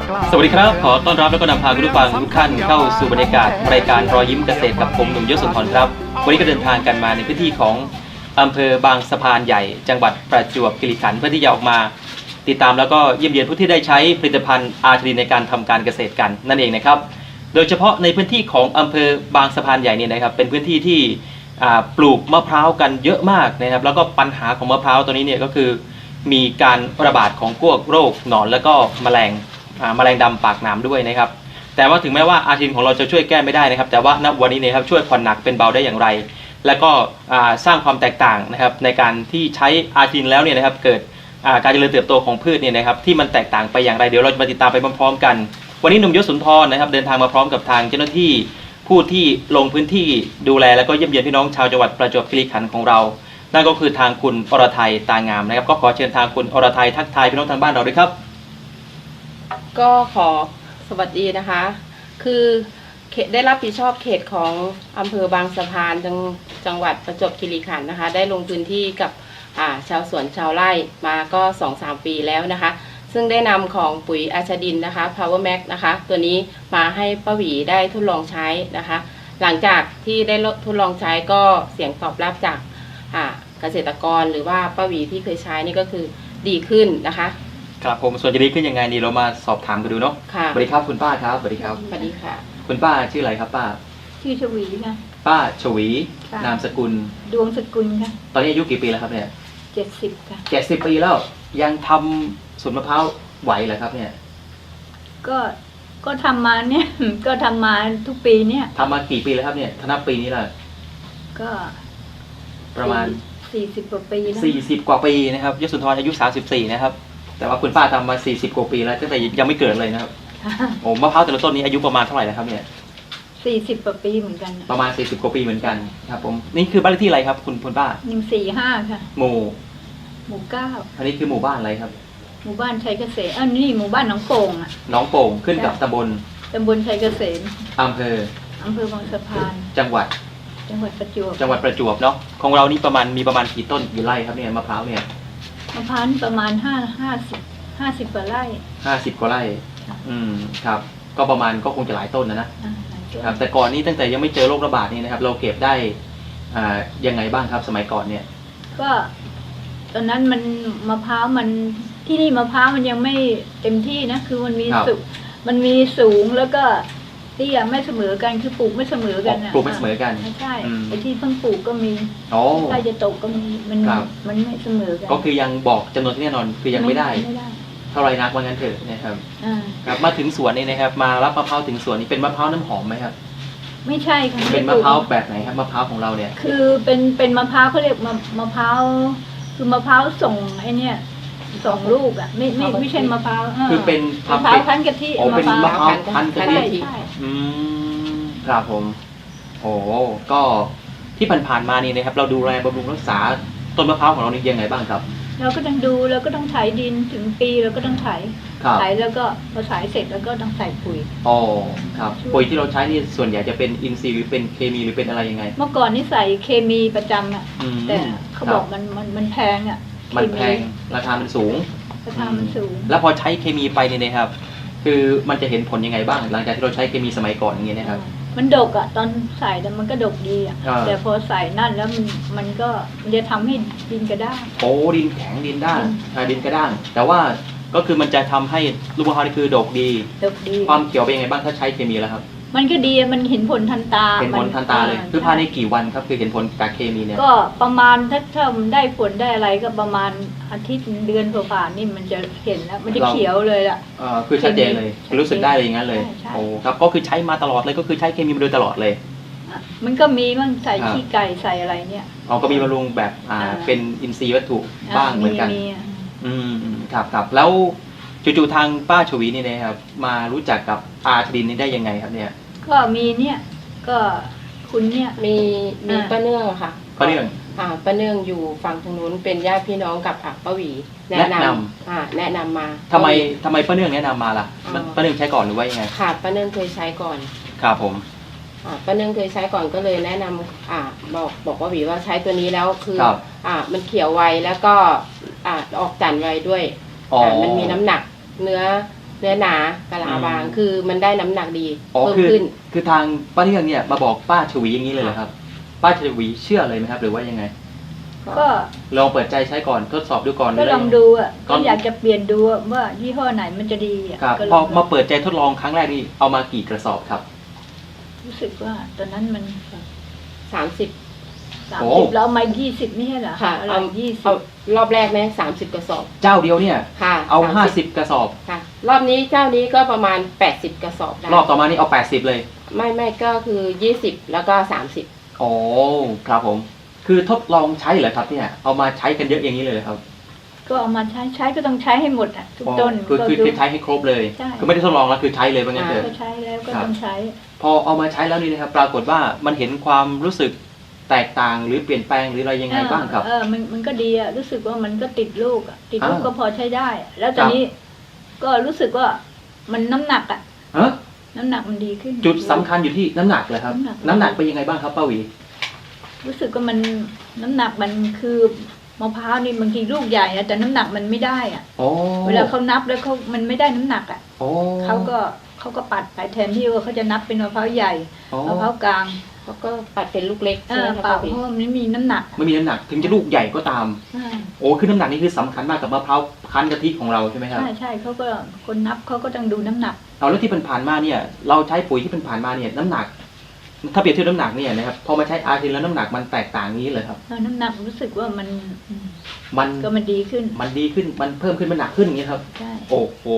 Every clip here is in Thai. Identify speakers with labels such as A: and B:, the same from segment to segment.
A: สวัสดีครับขอต้อนรับและก็นำพาคุณผู้ฟังทุกท่านเข้าสู่บรรยากาศรายการรอยยิ้มเกษตรกับผมหนุ่มยศสุนทรครับวันนี้ก็เดินทางกันมาในพื้นที่ของอำเภอบางสะพานใหญ่จังหวัดประจวบคีรีขันธ์เพื่อที่จะออกมาติดตามแล้วก็เยี่ยมเยียนผู้ที่ได้ใช้ผลิตภัณฑ์อาร์ทีในการทำการเกษตรกันนั่นเองนะครับโดยเฉพาะในพื้นที่ของอำเภอบางสะพานใหญ่เนี่ยนะครับเป็นพื้นที่ที่ปลูกมะพร้าวกันเยอะมากนะครับแล้วก็ปัญหาของมะพร้าวตัวนี้เนี่ยก็คือมีการระบาดของพวกโรคหนอนแล้วก็แมลงดำปากหนามด้วยนะครับแต่ว่าถึงแม้ว่าอาร์ทีของเราจะช่วยแก้ไม่ได้นะครับแต่ว่าณวันนี้นะครับช่วยผ่อนหนักเป็นเบาได้อย่างไรและก็สร้างความแตกต่างนะครับในการที่ใช้อาร์ทีแล้วเนี่ยนะครับเกิดการเจริญเติบโตของพืชเนี่ยนะครับที่มันแตกต่างไปอย่างไรเดี๋ยวเราจะมาติดตามไปพร้อมๆกันวันนี้หนุ่มยศสุนทรนะครับเดินทางมาพร้อมกับทางเจ้าหน้าที่ผู้ที่ลงพื้นที่ดูแลแล้วก็เยี่ยมเยียนพี่น้องชาวจังหวัดประจวบคีรีขันธ์ของเรานั่นก็คือทางคุณอรทัยตางามนะครับก็ขอเชิญทางคุณอรทัยทักทายพี่น้องทางบ้านเราด้วยครับ
B: ก็ขอสวัสดีนะคะคือได้รับผิดชอบเขตของอำเภอบางสะพานจังหวัดประจวบคีรีขันธ์นะคะได้ลงพื้นที่กับชาวสวนชาวไร่มาก็ 2-3 ปีแล้วนะคะซึ่งได้นำของปุ๋ยอาชดินนะคะ Power Max นะคะตัวนี้มาให้ป้าหวีได้ทดลองใช้นะคะหลังจากที่ได้ทดลองใช้ก็เสียงตอบรับจากเกษตรกรหรือว่าป้าหวีที่เคยใช้นี่ก็คือดีขึ้นนะคะ
A: ครับผมส่วนจะดีขึ้นยังไงนี่เรามาสอบถามกันดูเนาะ
B: ค่ะ
A: สวัสดีครับคุณป้าครับสวัสดีครับ
B: สวัสดีค่ะ
A: คุณป้าชื่ออะไรครับป้า
C: ชื่อชวีค่ะ
A: ป้าชวีนามสกุล
C: ดวงสกุลค่ะ
A: ตอนนี้อายุกี่ปีแล้วครับเนี่ย
C: 70ค่ะ
A: 70 ปีแล้วยังทำสวนมะพร้าวไหวเหรอครับเนี่ย
C: ก็ทำมาเนี่ย ก็ทำมาทุกปีเนี่ย
A: ทำมากี่ปีแล้วครับเนี่ยถ้านับปีนี้ล่ะ
C: ก็
A: ประมาณ
C: 40 กว่าปีแล้ว
A: 40 กว่าปีนะครับยศสุนทรอายุ34นะครับแต่ว่าคุณป้าทำมา40 กว่าปีแล้วตั้งแต่ยังไม่เกิดเลยนะครับโอ้มะพร้าวแต่ละต้นนี้อายุประมาณเท่าไหร่นะครับเนี่ย
C: 40 กว่าปีเหมือนกัน
A: ประมาณ40 กว่าปีเหมือนกันครับผมนี่คือบ้านเลขที่อะไรครับคุณป้า
C: 145ค่ะ
A: หมู่
C: 9
A: อันนี้คือหมู่บ้านอะไรครับ
C: หมู่บ้านชัยเกษมนี่หมู่บ้านหนองโป่งอ่ะ
A: หนองโป่งขึ้นกับตำบล
C: ชัยเกษม
A: อำเภ
C: อบางสะพาน
A: จังหวัด
C: ประจว
A: บเนาะของเรานี่มีประมาณกี่ต้นกี่ไร่ครับเนี่ยมะพร้าวเนี่ย
C: มะพร้าวประมาณ50 กว่าไร่
A: 50 กว่าไร่ครับก็ประมาณก็คงจะหลายต้นนะครับแต่ก่อนนี้ตั้งแต่ยังไม่เจอโรคระบาดนี่นะครับเราเก็บได้ยังไงบ้างครับสมัยก่อนเนี่ย
C: ก็ตอนนั้นมันมะพร้าวมันที่นี่มะพร้าวมันยังไม่เต็มที่นะคือมันมีสูงแล้วก็เตี้ยไม่เสมอกันคือปลูกไม่เสมอกัน
A: ปลูกไม่เสมอกัน
C: ใช่ไอ้ที่เพิ่งปลูกก็มีใกล้จะตกก็มีมันไม่เสมอกัน
A: ก็คือยังบอกจำนวนที่แน่นอนคือยังไม่ได้เท่าไรนักว่างั้นเถอะนะครับครับมาถึงสวนนี่นะครับมารับมะพร้าวถึงสวนนี้เป็นมะพร้าวน้ำหอมไหมครับ
C: ไม่ใช่ค่ะ
A: เป็นมะพร้าวแบบไหนครับมะพร้าวของเราเนี่ย
C: คือเป็นมะพร้าวเขาเรียกมะพร้าวคือมะพร้าวส่งไอ้นี่ส่งลูกอ่ะไม่ใช่มะพร้าว
A: คือเป็น
C: มะพร้าวพันกะทิ
A: เป็นมะพร้าวพันกะทิครับผมโอ้ก็ที่ผ่านๆมานี่นะครับเราดูแลบำรุงรักษาต้นมะพร้าวของเรานี่ยังไงบ้างครับ
C: เราก็ต้องดูแล้วก็ต้องไถดินถึงปีเราก็ต้องไถแล้วก็พอไถเสร็จแล้วก็ต้องใส่ปุ๋ย
A: อ๋อครับปุ๋ยที่เราใช้นี่ส่วนใหญ่จะเป็นอินทรีย์หรือเป็นเคมีหรือเป็นอะไรยังไง
C: เมื่อก่อนนี่ใส่เคมีประจำอ่ะแต่เขาบอกมันแพงอ่ะ
A: มันแพงราคามันสูงแล้วพอใช้เคมีไปเนี่ยนะครับคือมันจะเห็นผลยังไงบ้างหลังจากที่เราใช้เคมีสมัยก่อนอย่างเงี้ยนะครับ
C: มันดกอ่ะตอนใส่แต่มันก็ดกดีอ่ะแต่พอใส่นั่นแล้วมันก็จะทำให้ดินกระด้าง
A: โอ้ดินแข็งดินด้านดินกระด้างแต่ว่าก็คือมันจะทำให้ลูกมะพร้าวนี่คือดกดีความเขียวเป็นยังไงบ้างถ้าใช้เคมีแล้วครับ
C: มันก็ดีมันเห็นผลทันตา
A: เห็นผลทันตาเลยคือภายในกี่วันครับคือเห็นผลจากเคมีเนี่ย
C: ก็ประมาณถ้าได้ผลได้อะไรก็ประมาณอาทิตย์เดือนผ่านนี่มันจะเห็นแล้วมันจะเขียวเลยล่ะ
A: คือชัดเจนเลยรู้สึกได้เลยอย่างนั้นเลยโอ้ครับก็คือใช้มาตลอดเลยก็คือใช้เคมีมาโดยตลอดเลย
C: มันก็มีบ้างใส่ขี้ไก่ใส่อะไรเนี่ย
A: ก็มีบำรุงแบบเป็นอินทรีย์วัตถุบ้างเหมือนกันครับแล้วจู่ๆทางป้าชวีนี่นะครับมารู้จักกับอาร์ทีนี่ได้ยังไงครับเนี่ย
C: ก็มีเนี่ยก็คุณเนี่ย
B: มีป้าเนื่องค่ะ
A: ป้าเนื่อง
B: ป้าเนื่องอยู่ฝั่งทางนู้นเป็นญาติพี่น้องกับป้าหวีแนะนำมา
A: ทำไมป้าเนื่องแนะนำมาล่ะป้าเนื่องใช้ก่อนหรือว่ายังไง
B: ค่ะป้าเนื่องเคยใช้ก่อน
A: ครับผม
B: ป้าเนื่องเคยใช้ก่อนก็เลยแนะนำบอกป้าหวีว่าใช้ตัวนี้แล้วคือมันเขียวไวแล้วก็ออกจันทร์ไวด้วยมันมีน้ำหนักเนื้อเนื้อหนากะลาบางคือมันได้น้ำหนักดี
A: อ๋อ
B: เพิ่มขึ้น
A: คือทางป้าเที่ยงเนี่ยมาบอกป้าชวีอย่างนี้เลยเหรอครับ ป้าชวีเชื่อเลยไหมครับ หรือว่ายังไง
C: ก็
A: ลองเปิดใจใช้ก่อนทดสอบดูก่อน
C: ก็ลองดูอ่ะ
A: ก่
C: ก็
A: อน
C: อยากจะเปลี่ยนดูว่ายี่ห้อไหนมันจะดีอ่ะ
A: ครับ
C: ก็ล
A: พอ
C: อง
A: มาเปิดใจทดลองครั้งแรกนี่เอามากี่กระสอบครับ
C: รู้สึกว่าตอนนั้นมัน
B: 30
A: โอ้
C: 30แล้วเอามา20ไม่ใช่เหรอ
B: ค่ะ
C: อะไร
B: เอา
C: 20
B: รอบแรกเนี่ย30 กระสอบ
A: เจ้าเดียวเนี่ย
B: ค่ะ
A: เอา
B: 30
A: 50 กระสอบ
B: ค่ะ รอบนี้เจ้านี้ก็ประมาณ80 กระสอบได้
A: รอบต่อมานี่เอา80เลย
B: ไม่ก็คือ20แล้วก็30
A: อ๋อครับผม คือทดลองใช้เหรอครับเนี่ยเอามาใช้กันเยอะอย่างนี้เลยเหรอครับ
C: ก็เอามาใช้ก็ต้องใช้ให้หมดอ่ะทุกต้น
A: คือ
C: ก็
A: คือ
C: ดู
A: ใช้ให้ครบเลย
C: ใช่
A: คือไม่ได้ทดลองแล้วคือใช้เลยว่างั้นเถ
C: ก็
A: อะ
C: ใช้แล้วก็
A: ครับ
C: ต้องใช้
A: พอเอามาใช้แล้วนี่นะครับ ปรากฏว่ามันเห็นความรู้สึกแตกต่างหรือเปลี่ยนแปลงหรืออะไรยังไงบ้างครับ
C: มันก็ดีอะรู้สึกว่ามันก็ติดลูกอะติดลูก
A: อ่า
C: ก็พอใช้ได้อะแล้วตอนนี้ก็รู้สึกว่ามันน้ำหนักอะ
A: ฮะ
C: น้ำหนักมันดีขึ้น
A: จุดสำคัญอยู่ที่น้ำหนักเลยครับ
C: น้ำหนัก
A: น้ำหนักเป็นยังไงบ้างครับป้าหวี
C: รู้สึกว่ามันน้ำหนักมันคือมะพร้าวนี่บางทีลูกใหญ่อะแต่น้ำหนักมันไม่ได้อะ
A: โอ้
C: เวลาเขานับแล้วมันไม่ได้น้ำหนักอะ
A: โอ้
C: เขาก็ปัดไปแทนที่ว่าเขาจะนับเป็นมะพร้าวใหญ่
A: โอ้
C: มะพร้าวกลาง
B: แล้วก็ปัดเป็นลูกเล็ก
C: เอ
B: ใช่ไห
C: อ
B: มคะ
C: เปล่า
B: พี่
C: เพราะว่ามันไม่มีน้ำหนักอะ
A: ไม่มีน้ำหนักถึงจะลูกใหญ่ก็ตาม
C: ใช่
A: โอ้คือน้ำหนักนี่คือสำคัญมากกับมะพร้าวคั้นกะทิของเราใช่ไหมครับ
C: ใช่เขาก็คนนับเขาก็ต้องดูน้ำหนัก
A: เอาแล้วที่ผ่านมาเนี่ยเราใช้ปุ๋ยที่ผ่านมาเนี่ยน้ำหนัก ถ้าเปรียบเทียบน้ำหนักเนี่ยนะครับพอมาใช้อาร์ทินแล้วน้ำหนักมันแตกต่างนี้เลยครับ
C: น้ำหนักรู้สึกว่ามัน
A: มัน
C: ก็มันดีขึ้น
A: มันดีขึ้นมันเพิ่มขึ้นมันหนักขึ้นอย่างนี้ครับ
C: ใช่
A: โอ้โห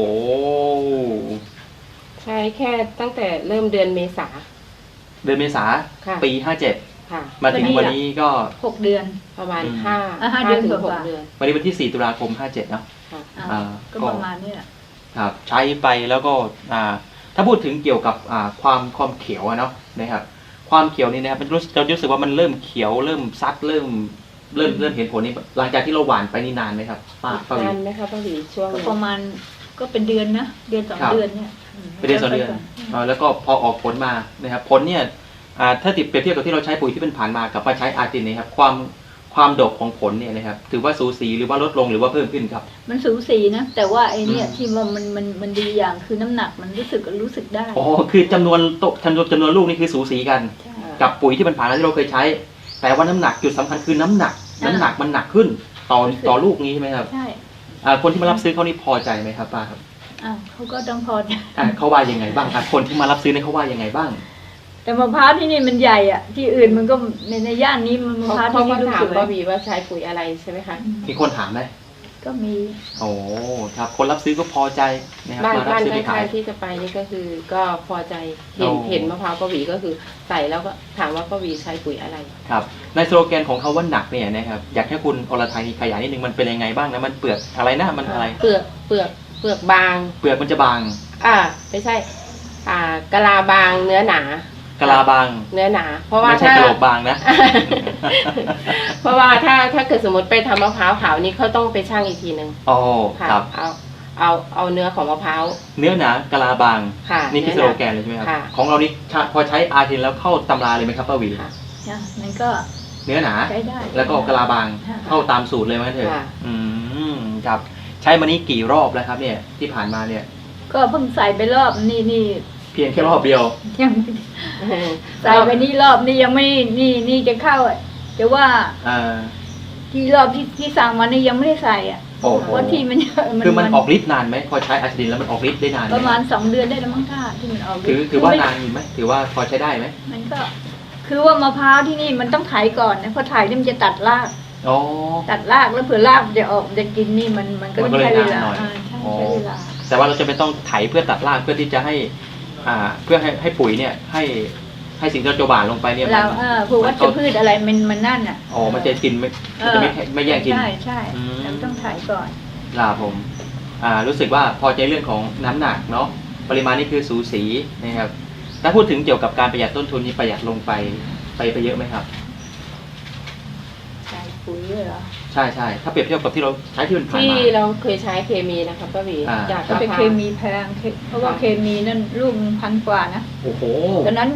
B: ใช้แค่ตั้งแต่เริ่มเดือนเมษา
A: เดือนเมษา
B: ค่ะ
A: ปี57
B: ค่ะ
A: มาถึงวันนี้ก็
C: 6 เดือน
B: ประมาณ
A: อืม
B: 5
C: เดือน
B: ถึง
C: กว่า
B: 6 เดือน
A: วันนี้วันที่4 ตุลาคม 57เนาะ
B: ค่ะ
C: อ่าก็ประมาณนี้แหละ
A: ครับใช้ไปแล้วก็ถ้าพูดถึงเกี่ยวกับความเขียวอะเนาะนะครับ ความเขียวนี่นะครับมันเรารู้สึกว่ามันเริ่มเขียวเริ่มซัดเริ่มเห็นผลนี่หลังจากที่เราหว่านไปนี่นานไหมครับป้าวี
B: นานไหมคะป้าหวีช่วง
C: ก็
B: นี้
C: ประมาณก็เป็นเดือนนะเดือน
A: ครับ
C: 2 เดือนเนี่ย
A: เป็นเดือนสองเดือนแล้วก็พอออกผลมานะครับผลเนี่ยถ้าติดเปรียบเทียบกับที่เราใช้ปุ๋ยที่เป็นผ่านมากับมาใช้อาร์ตินเนี่ยครับความดกของผลเนี่ยนะครับถือว่าสูสีหรือว่าลดลงหรือว่าเพิ่มขึ้นครับ
C: มันสูสีนะ แต่ว่าไอเนี่ย
A: อืม
C: ที่มันดีอย่างคือน้ำหนักมันรู้สึกได้
A: อ๋อคือจำนวนลูกนี่คือสูสีกัน
C: ใช่
A: กับปุ๋ยที่มันผ่านมาที่เราเคยใช้ แต่ว่าน้ำหนักจุดสำคัญคือน้ำหนักมันหนักขึ้นต่อลูกนี้ใช่ไหมครับ
C: ใช่
A: คนที่มารับซื้อเขานี่พอใจไหมครับป้าครับ
C: อ้าวเขาก็ต้องพอใจ
A: เขาว่ายังไงบ้างคนที่มารับซื้อเนี่ยเขาว่ายังไงบ้าง
C: แต่มะพร้าวที่นี่มันใหญ่อะที่อื่นมันก็ในย่านนี้มันมะพร้าว
B: เขา
C: ที่
B: ก็
C: นี่ลูก
B: ถาม
C: สวย
B: ป้าหวีว่าใช้ปุ๋ยอะไรใช่ไหมคะ
A: มีคนถามไหม
C: ก็มี
A: โอ้ครับคนรับซื้อก็พอใจนะครับ
B: บ้าน
A: มารับ
B: บ้าน
A: ซื้อไป
B: ข้า
A: ขาย
B: งๆที่จะไปนี่ก็คือก็พอใจเห็น
A: โอ้
B: เห็นมะพร้าวป้าหวีก็คือใส่แล้วก็ถามว่าป้าหวีใช้ปุ๋ยอะไร
A: ครับในสโลแกนของเขาว่าหนักเนี่ยนะครับอยากให้คุณอรทัยขยายนิดนึงมันเป็นยังไงบ้างนะมันเปลือกอะไรนะมันอะไร
B: เปลือกบาง
A: เปลือกมันจะบาง
B: ไม่ใช่กะลาบางเนื้อหนา
A: กะลาบาง
B: เนื้อหนา เพราะว่า
A: ไม่ใช่
B: ถ้าก
A: ะโหลกบางนะ
B: เพราะว่าถ้าเกิดสมมติไปทำมะพร้าวขาวนี่เขาต้องไปชั่งอีกทีหนึ่ง
A: โอ้
B: ค่ะ
A: ครับ
B: เอาเนื้อของมะพร้าว
A: เนื้อหนากะลาบาง
B: ค่ะ
A: นี่คือส
B: เนื้
A: โล
B: อหนา
A: แกนเลยใช่ไหมครับ
B: ค่ะ
A: ของเรานี่พอใช้อาร์ทินแล้วเข้าตำราเลยไหมครับป้าหวี
B: ค่ะ
C: นะมันก็
A: เนื้อหนา
C: ใช้ได้
A: แล้วก็กะลาบาง
C: ค่ะ
A: เข้าตามสูตรเลยไหมเถอะ
B: ค่ะ
A: อืมครับใช้มานี้กี่รอบแล้วครับเนี่ยที่ผ่านมาเนี่ย
C: ก็เพิ่งใส่ไปรอบนี่
A: เพียงแค่รอบเดียว
C: ยังไม่ใส่ไปนี่รอบนี่ยังไม่นี่จะเข้าอะแต่ว่า
A: อ่า
C: ที่รอบที่สั่งมานี่ยังไม่ได้ใส่อ่ะ
A: โอ้โห
C: เพราะที่มัน
A: คือมันออกฤทธิ์นานไหมพอใช้อาร์ทินแล้วมันออกฤทธิ์ได้นานไหม
C: ประมาณ2 เดือนได้แล้วมั้งค่ะที่มันออก
A: ถือว่านานอยู่ไหมถือว่าพอใช้ได้ไหม
C: มันก็ คือว่ามะพร้าวที่นี่มันต้องไถก่อนนะพอไถนี่มันจะตัดราก
A: อ๋อ
C: ตัดรากแล้วเผื่อรากมันจะออกจะกินนี่มันก็
A: มัน
C: ต้
A: ก็
C: อง
A: เลย
C: ใช้เวลาน
A: านหน่อย
C: ใช่
A: อ๋อ
C: ใช้เวลา
A: แต่ว่าเราจะไม่ต้องไถเพื่อตัดรากเพื่อที่จะให้เพื่อให้ปุ๋ยเนี่ยให้สิ่งที่เราจะหว่านลงไปเนี่ย
C: เราพวกวัชพืชอะไรมันนั่นอ่ะ
A: อ๋อมันจะกินมันจะไม่แย่งกิน
C: ใช่
A: อืม
C: เราต้องไถก่อน
A: ลาผมรู้สึกว่าพอใจเรื่องของน้ำหนักเนาะปริมาณนี่คือสูสีนะครับถ้าพูดถึงเกี่ยวกับการประหยัดต้นทุนนี่ประหยัดลงไปเยอะไหมครับ
C: ใส่ปุ๋ยด้วยเหรอ
A: ใช่ใช่ถ้าเปรียบเทียบกับที่เราใช้ที่มันผ่าน
B: ที่
A: มา
B: เราเคยใช้เคมีนะคะป้าหวี จาก
C: ก็
B: มะ
C: เป็น
B: พร้า
C: เคว มีแพงเพราะว่าเคมีนั่นลูก1,000 กว่านะ
A: โอ้โห
C: ตอนนั้น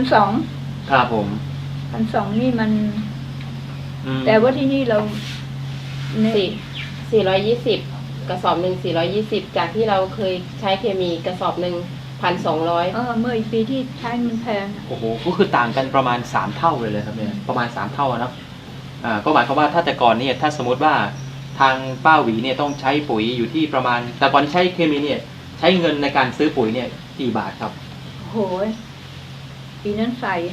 C: 1,200
A: ครับผม
C: 1,200นี่มัน
A: อืม
C: แต่ว่าที่นี่เราเนี่ย
B: 420 กระสอบหนึ่ง420จากที่เราเคยใช้เคมีกระสอบหนึ่ง1,200
C: เมื่ออีกปีที่ใช้มันแพงอะ
A: โอ้โหก็คือต่างกันประมาณ3เท่าเลยครับเนี่ยประมาณ3เท่าอะเนาะก็หมายความว่าถ้าแต่ก่อนเนี่ยถ้าสมมติว่าทางป้าหวีเนี่ยต้องใช้ปุ๋ยอยู่ที่ประมาณแต่ก่อนที่ใช้เคมีเนี่ยใช้เงินในการซื้อปุ๋ยเนี่ยกี่บาทครับ
C: โหยปีนั้นใส่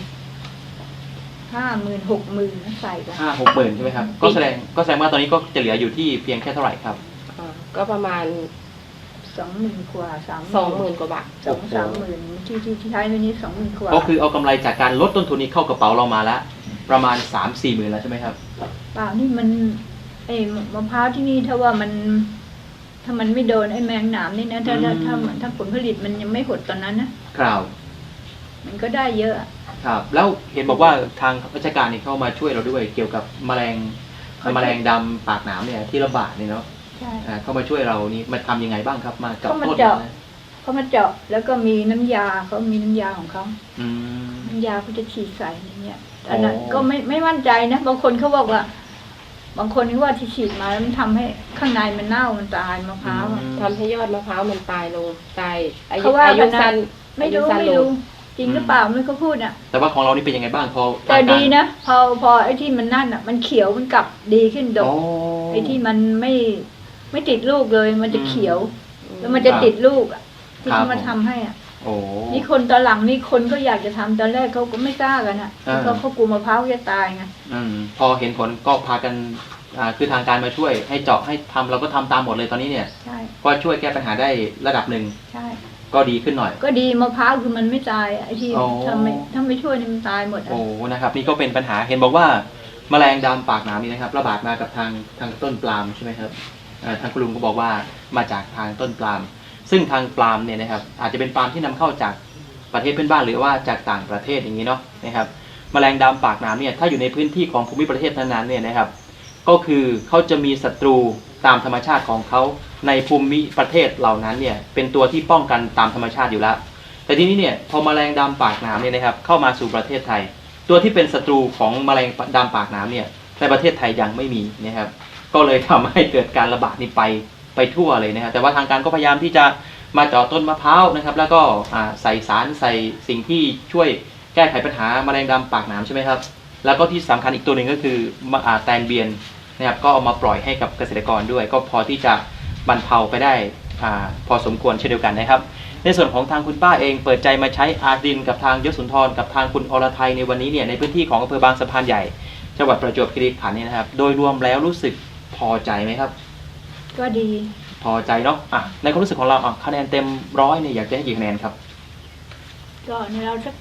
C: 50,000 60,000ใส่กัน
A: 5-6 หมื่นใช่ไหมครับก็แสดงว่าตอนนี้ก็จะเหลืออยู่ที่เพียงแค่เท่าไหร่ครับ
B: ก็ประมาณ
C: 20,000 กว่า
B: 20,000 กว่าบาท
C: 2-3,000ที่ใช้ไปนี้20,000 กว่า
A: ก็คือเอากำไรจากการลดต้นทุนนี้เข้ากระเป๋าเรามาแล้วประมาณ 3-4 หมื่นแล้วใช่ไหมครับ
C: เปล่านี่มันมะพร้าวที่นี่ถ้าว่ามัน ถ้ามันไม่โดนไอ้แมงหนามนี่นะถ้าผลผลิตมันยังไม่หดตอนนั้นนะครับ มันก็ได้เยอะ
A: ครับ แล้วเห็นบอกว่าทางราชการนี่เข้ามาช่วยเราด้วยเกี่ยวกับแมลงดำปากหนามเนี่ยที่ระบาดเนี่ยเนาะ
C: ใช่
A: เข้ามาช่วยเรานี่มาทำยังไงบ้างครับมากับ
C: เขามา
A: ต้น
C: เจาะ
A: นะ
C: เขามาเจาะแล้วก็มีน้ำยาเขามีน้ำยาของเขา
A: อืม
C: น้ำยาเขาจะฉีดใส่ในเนี่ยอันนั้นก็ไม่มั่นใจนะบางคนเขาบอกว่า บางคนเขาว่าที่ฉีดมาแล้วมันทำให้ข้างในมันเน่ามันตายมะพร้าวอะ
B: ทำให้ยอดมะพร้าวมันตายลงตายอายุ
C: เขาว่า
B: อายุ
C: กันนะ
B: สั้น
C: ไม่รู้
B: อายุสั้น
C: ไม่
B: ล
C: รู้
B: ง
C: จริงหรือเปล่าไม่เขาพูดอ่ะ
A: แต่ว่าของเรานี่เป็นยังไงบ้างพอ
C: แต่ดีนะพอไอ้ที่มันนั่นอ่ะ มันเขียวมันกลับดีขึ้นด
A: โอ้
C: กไอ้ที่มันไม่ติดลูกเลยมันจะเขียว แล้วมันจะ
A: ครับ
C: ติดลูกอ่ะที่
A: ครับ
C: เขามาทำให้อ่ะ
A: โอ้
C: นี่คนตอนหลังนี่คนก็อยากจะทำตอนแรกเขาก็ไม่กล้ากันอ่ะ
A: อ่า
C: เพราะเขากลัวมะพร้าวจะตายไง
A: พอเห็นผลก็พากันคือทางการมาช่วยให้เจาะให้ทำเราก็ทำตามหมดเลยตอนนี้เนี่ย
C: ใช่
A: ก็ช่วยแก้ปัญหาได้ระดับหนึ่ง
C: ใช่
A: ก็ดีขึ้นหน่อย
C: ก็ดีมะพร้าวคือมันไม่ตายอะไอ้ที่
A: อ๋อ
C: ถ้าไม่ช่วยนี่มันตายหมดอ่ะ
A: โอ้นะครับนี่ก็เป็นปัญหาเห็นบอกว่าแมลงดำปากหนามนี่นะครับระบาดมากับทางต้นปาล์มใช่ไหมครับทางคุณลุงก็บอกว่ามาจากทางต้นปาล์มซึ่งทางปาล์มเนี่ยนะครับอาจจะเป็นปาล์มที่นำเข้าจากประเทศเพื่อนบ้านหรือว่าจากต่างประเทศอย่างนี้เนาะนะครับแมลงดำปากหนามเนี่ยถ้าอยู่ในพื้นที่ของภูมิประเทศนั้นๆเนี่ยนะครับก็คือเขาจะมีศัตรูตามธรรมชาติของเขาในภูมิประเทศเหล่านั้นเนี่ยเป็นตัวที่ป้องกันตามธรรมชาติอยู่แล้วแต่ทีนี้เนี่ยพอแมลงดำปากหนามเนี่ยนะครับเข้ามาสู่ประเทศไทย ตัวที่เป็นศัตรูของแมลงดำปากหนามเนี่ยในประเทศไทยยังไม่มีนะครับก็เลยทำให้เกิดการระบาดนี้ไปทั่วเลยนะครับแต่ว่าทางการก็พยายามที่จะมาเจาะต้นมะพร้าวนะครับแล้วก็ใส่สารใส่สิ่งที่ช่วยแก้ไขปัญหาแมลงดำปากหนามใช่ไหมครับแล้วก็ที่สำคัญอีกตัวหนึ่งก็คือแตนเบียนนะครับก็เอามาปล่อยให้กับเกษตรกรด้วย ก็พอที่จะบรรเทาไปได้พอสมควรเช่นเดียวกันนะครับในส่วนของทางคุณป้าเองเปิดใจมาใช้อาร์ดินกับทางยศสุนทรกับทางคุณอรไทยในวันนี้เนี่ยในพื้นที่ของอำเภอบางสะพานใหญ่จังหวัดประจวบคีรีขันธ์เนี่ยนะครับโดยรวมแล้วรู้สึกพอใจไหมครับ
C: ก็ดี
A: พอใจเนาะในความรู้สึกของเราคะแนนเต็ม100เนี่ยอยากจะให้กี่คะแนนครับ
C: ก็ในเราสัก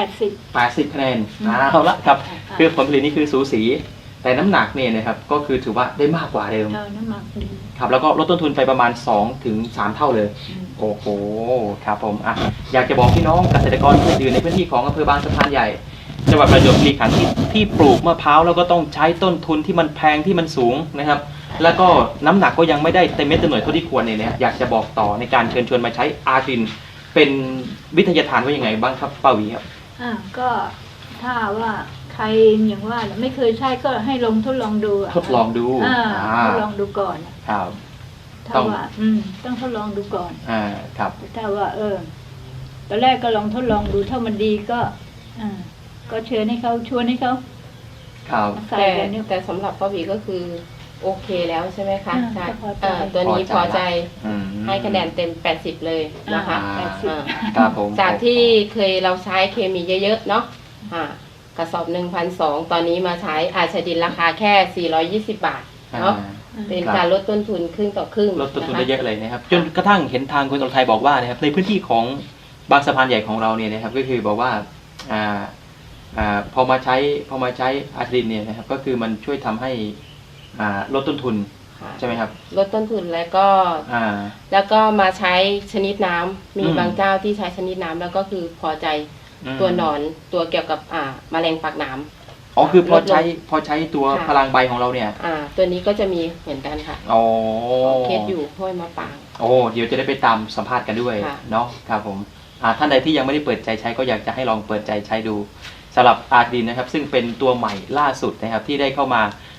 C: 80
A: 80 คะแนนเอาละครับคือผลผลิตนี่คือสูสีแต่น้ำหนักเนี่ยนะครับก็คือถือว่าได้มากกว่าเดิม
C: น้ำหมักดี
A: ครับแล้วก็ลดต้นทุนไปประมาณ 2-3 เท่าเลยโอ้โหครับผมอยากจะบอกพี่น้องเกษตรกรคนอื่นในพื้นที่ของอำเภอบางสะพานใหญ่จังหวัดประจวบคีรีขันธ์ที่ปลูกมะพร้าวแล้วก็ต้องใช้ต้นทุนที่มันแพงที่มันสูงนะครับแล้วก็น้ำหนักก็ยังไม่ได้เต็มเม็ดเต็มหน่วยเท่าที่ควรเนี่ยอยากจะบอกต่อในการเชิญชวนมาใช้อาร์ดินเป็นวิทยาทานว่ายังไงบ้างครับป้าหวีครับ
C: ก็ถ้าว่าใครอย่างว่าไม่เคยใช้ก็ให้ลองทดลองดูะ
A: ทดลองดู
C: ทดลองดูก่อน
A: ครับ
C: ถ้าว่าต้องทดลองดูก่อน
A: ครับ
C: ถ้าว่าตอนแรกก็ลองทดลองดูถ้ามันดีก็ก็เชิญให้เขาชวนให้เขา
A: ครับ
C: มาใส่กันเนี่ย
B: แต่สำหรับป้าหวีก็คือโอเคแล้วใช่ไหมคะ
C: ใช่พอใจ
B: ตัวนี้พอใจ
A: อืม
B: ให้คะแนนเต็ม80เลยนะคะ
A: ครับผม
B: จากที่เคยเราใช้เคมีเยอะๆเนาะกระสอบ 1,200 ตอนนี้มาใช้อาชาดินราคาแค่420 บาทเนาะเป็นการลดต้นทุนครึ่งต่อครึ่ง
A: ลดต้นทุนได้เยอะเลยนะครับจนกระทั่งเห็นทางคุณอรไทยบอกว่านะครับในพื้นที่ของบางสะพานใหญ่ของเราเนี่ยนะครับก็คือบอกว่าพอมาใช้อาร์ดินเนี่ยนะครับก็คือมันช่วยทำให้ลดต้นทุนใช่ไหมครับ
B: ลดต้นทุนแล้วก็มาใช้ชนิดน้ำมีบางเจ้าที่ใช้ชนิดน้ำแล้วก็คือพอใจตัวหนอนตัวเกี่ยวกับแมลงปากหนาม
A: อ๋อคือพอใช้ตัวพลังใบของเราเนี่ย
B: ตัวนี้ก็จะมีเหมือนกันค่ะเคสอยู่ห้วยมะปาง
A: เดี๋ยวจะได้ไปตามสัมภาษณ์กันด้วยเนาะครับผมท่านใดที่ยังไม่ได้เปิดใจใช้ก็อยากจะให้ลองเปิดใจใช้ดูสำหรับอาร์ดินนะครับซึ่งเป็นตัวใหม่ล่าสุดนะครับที่ได้เข้ามา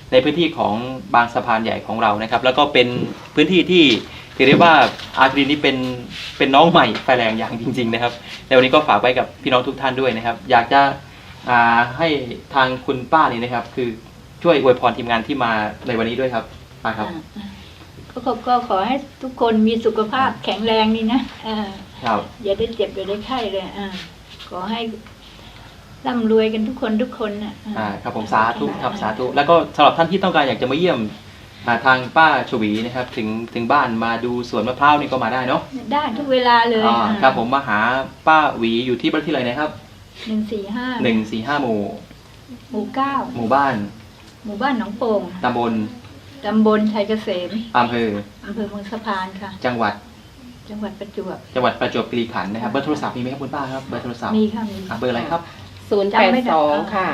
A: ในพื้นที่ของบางสะพานใหญ่ของเรานะครับ แล้วก็เป็นพื้นที่ที่ถือได้ว่าอาร์ตรินนี่เป็นน้องใหม่ไฟแรงอย่างจริงๆนะครับในวันนี้ก็ฝากไว้กับพี่น้องทุกท่านด้วยนะครับ อยากจะให้ทางคุณป้านี่นะครับ คือช่วยอวยพรทีมงานที่มาในวันนี้ด้วยครับป้าครับ
C: ก็ขอให้ทุกคนมีสุขภาพแข็งแรงนี่นะครับ อย่าได้เจ็บอย่าได้ไข้เลยขอให้ร่ำรวยกันทุกคนนะครับ
A: ผมสาธุครับสาธุแล้วก็สำหรับท่านที่ต้องการอยากจะมาเยี่ยมทางป้าชวีนะครับถึงบ้านมาดูสวนมะพร้าวนี่ก็มาได้เนาะ
C: ได้ทุกเวลาเลย
A: ครับผมมาหาป้าหวีอยู่ที่บ้านที่ไรนะครับ
C: 145
A: 145 หมู่
C: หมู่ 9
A: หมู่บ้าน
C: หมู่บ้านหนองโป่ง
A: ตำบล
C: ตำบลชัยเกษม
A: อำเภอ
C: อำเภอเมืองสะพานค่ะ
A: จังหวัด
C: จังหวัดประจวบ
A: ประจวบคีรีขันธ์นะครับเบอร์โทรศัพท์มีไหมครับคุณป้าครับเบอร์โทรศัพท์
C: มีค่ะมี
A: เบอร์อะไรครับ
B: 082 ค่ะ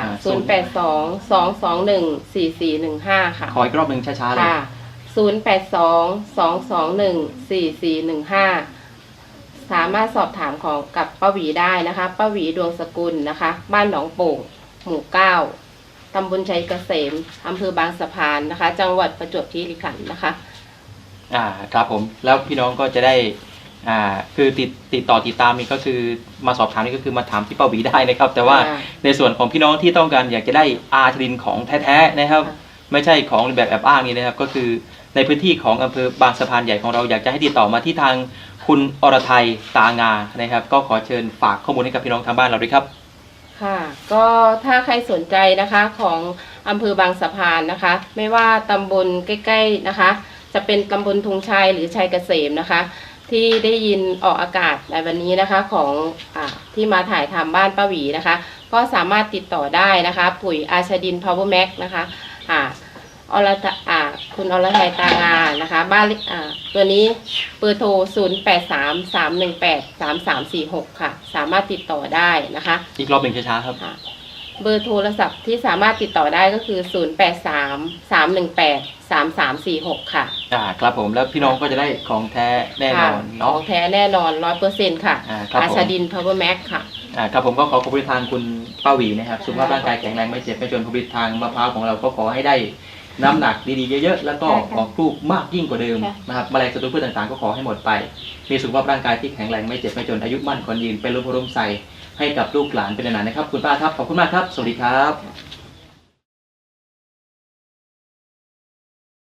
B: 082 221 4415 ค่ะ
A: ขออีกรอบหนึ่งช้าๆเลย
B: ค่ะ 082 221 4415 สามารถสอบถามของกับป้าหวีได้นะคะป้าหวีดวงสกุลนะคะ บ้านหนองโป่ง หมู่ 9 ตำบลชัยเกษม อำเภอบางสะพานนะคะ จังหวัดประจวบคีรีขันธ์นะคะ
A: ครับผมแล้วพี่น้องก็จะได้คือติดต่อติดตามนี่ก็คือมาสอบถามนี่ก็คือมาถามที่ป้าหวีได้นะครับ แต่ว่า ในส่วนของพี่น้องที่ต้องการอยากจะได้อาร์ทรินของแท้ๆนะครับ ไม่ใช่ของแบบแอบอ้างนี่นะครับ ก็คือในพื้นที่ของอำเภอบางสะพานใหญ่ของเราอยากจะให้ติดต่อมาที่ทางคุณอรไทยตางานะครับ ก็ขอเชิญฝากข้อมูลให้กับพี่น้องทางบ้านเราด้วยครับ
B: ค่ะ ก็ถ้าใครสนใจนะคะของอำเภอบางสะพานนะคะ ไม่ว่าตำบลใกล้ๆนะคะ จะเป็นตำบลธงชัยหรือชัยเกษมนะคะ ที่ได้ยินออกอากาศในวันนี้นะคะของที่มาถ่ายทำบ้านป้าหวีนะคะ ก็สามารถติดต่อได้นะคะ ปุ๋ยอาชดิน Power Max นะคะคุณอรทัยตางานะคะบ้านตัวนี้เบอร์โทร 0833183346 ค่ะ สามารถติดต่อได้นะคะ
A: อีกรอบหนึ่งช้าๆครับ
B: เบอร์โทรศัพท์ที่สามารถติดต่อได้ก็คือ 0833183346 ค่ะ
A: ครับผมแล้วพี่น้องก็จะได้ของแท้แน่นอน
B: ข
A: เนาะ
B: องแท้แน่นอน 100% ค่ะ
A: ครับผม
B: อาชาดิน Power Max ค่ะ
A: ครับผมก็ขอขอบคุณทางคุณป้าหวีนะครับสุขภาพร่างกายแข็งแรงไม่เจ็บไม่จนผลิตทางมะพร้าวของเราก็ขอให้ได้น้ำหนักดีๆเยอะๆแล้วก็ออกลูกมากยิ่งกว่าเดิมนะครับแมลงศัตรูพืชต่างๆก็ขอให้หมดไปมีสุขภาพร่างกายที่แข็งแรงไม่เจ็บไม่จนอายุมั่นขวัญยืนเป็นร่มโพร่มใสให้กับลูกหลานเป็นนานๆนะครับคุณป้าครับขอบคุณมากครับสวัสดีครับ